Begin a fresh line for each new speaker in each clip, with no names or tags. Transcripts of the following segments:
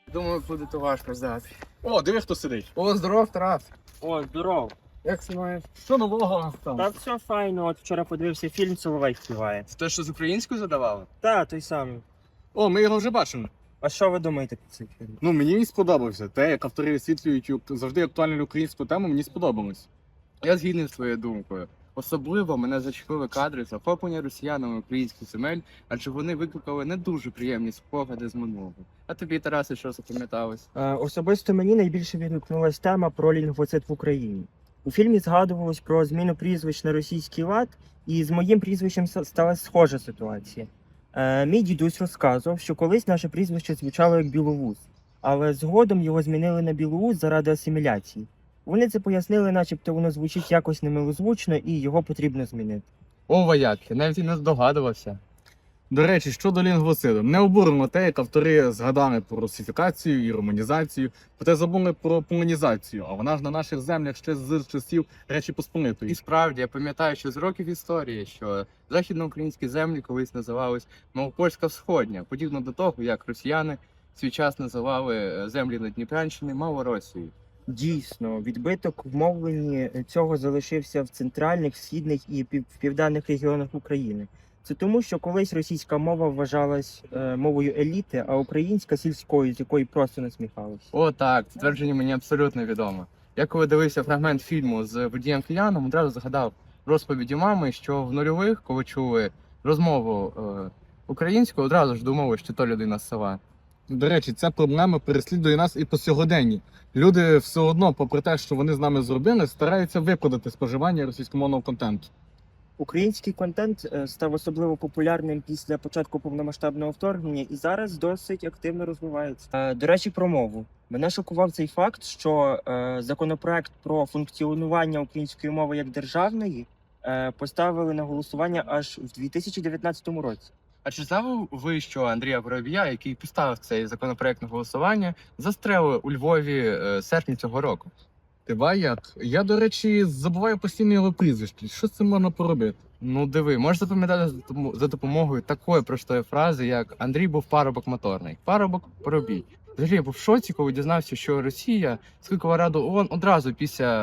Думаю, буде то важко здати.
О, диви, хто сидить.
О, здоров, Тарас.
О, здоров.
Як ти маєш?
Що нового там?
Та все файно, от вчора подивився фільм «Соловей співає».
Це те, що з українською задавали?
Та, той самий.
О, ми його вже бачили.
А що ви думаєте про цей фільм?
Ну, мені він сподобався. Те, як автори висвітлюють завжди актуальну українську тему, мені сподобалось.
Я згідний з твоєю думкою. Особливо мене зачепили кадри захоплення росіянами українських земель, адже вони викликали не дуже приємні спогади з минулого. А тобі, Тарасе, що запам'яталось?
Особисто мені найбільше відгукнулась тема про лінгвоцид в Україні. У фільмі згадувалось про зміну прізвищ на російський лад, і з моїм прізвищем сталася схожа ситуація. Мій дідусь розказував, що колись наше прізвище звучало як Білоус, але згодом його змінили на Білоус заради асиміляції. Вони це пояснили, начебто воно звучить якось немилозвучно і його потрібно змінити.
О, вояк, я навіть і не здогадувався.
До речі, щодо лінгвоциду, не обурено те, як автори згадали про русифікацію і романізацію, проте забули про полонізацію, а вона ж на наших землях ще з часів Речі Посполитої.
І справді, я пам'ятаю, що з років історії, що західноукраїнські землі колись називались Малопольська Всходня, подібно до того, як росіяни в свій час називали землі на Дніпрянщині Малоросією.
Дійсно, відбиток в мовленні цього залишився в центральних, східних і в південних регіонах України. Це тому, що колись російська мова вважалась мовою еліти, а українська сільською, з якої просто насміхались.
О, так, це твердження мені абсолютно відомо. Я коли дивився фрагмент фільму з водієм кияном, одразу згадав розповіді мами, що в нульових, коли чули розмову українською, одразу ж думали, що то людина з села.
До речі, ця проблема переслідує нас і по сьогоденні. Люди все одно, попри те, що вони з нами зробили, стараються виправдати споживання російськомовного контенту.
Український контент став особливо популярним після початку повномасштабного вторгнення і зараз досить активно розвивається. До речі, про мову. Мене шокував цей факт, що законопроект про функціонування української мови як державної поставили на голосування аж в 2019 році.
А чи знали ви, що Андрія Воробія, який поставив цей законопроект на голосування, застрелили у Львові серпні цього року?
Ти як? Я, до речі, забуваю постійно його прізвище. Що з цим можна поробити?
Ну диви, можеш запам'ятати за допомогою такої простої фрази, як Андрій був парубок моторний. Парубок Воробій. Взагалі я був в шоці, коли дізнався, що Росія скликала Раду ООН одразу після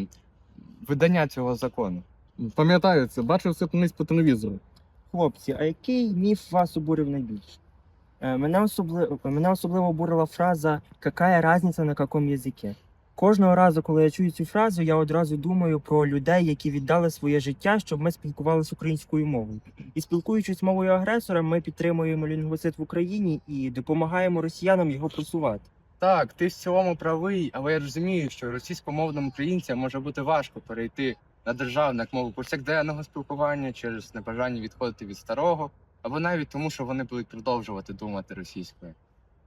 видання цього закону.
Пам'ятаю це, бачив це колись по телевізору.
Хлопці, а який міф вас обурив найбільше? Мене особливо обурила фраза «Какая разниця на каком язике?». Кожного разу, коли я чую цю фразу, я одразу думаю про людей, які віддали своє життя, щоб ми спілкувалися українською мовою. І спілкуючись мовою агресора, ми підтримуємо лінгвоцид в Україні і допомагаємо росіянам його просувати.
Так, ти в цілому правий, але я розумію, що російськомовним українцям може бути важко перейти на державну як мову повсякденного спілкування через небажання відходити від старого, або навіть тому, що вони будуть продовжувати думати російською.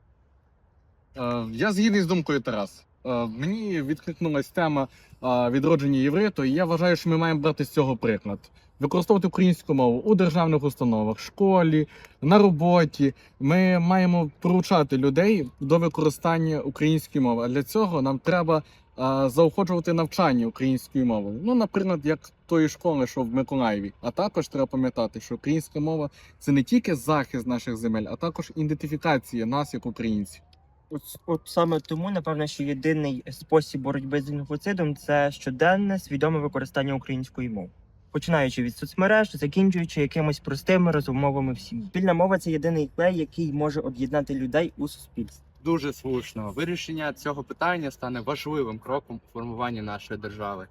Я згідний з думкою Тарас. Мені відкликнулась тема відродження євриту, і я вважаю, що ми маємо брати з цього приклад. Використовувати українську мову у державних установах, школі, на роботі. Ми маємо поручати людей до використання української мови. А для цього нам треба заохочувати навчання українською мовою. Ну, наприклад, як тої школи, що в Миколаєві. А також треба пам'ятати, що українська мова – це не тільки захист наших земель, а також ідентифікація нас як українців.
От саме тому, напевно, що єдиний спосіб боротьби з лінгвоцидом – це щоденне свідоме використання української мови. Починаючи від соцмереж, закінчуючи якимось простими розмовами в сім'ї. Спільна мова – це єдиний клей, який може об'єднати людей у суспільстві.
Дуже слушно. Вирішення цього питання стане важливим кроком у формуванні нашої держави.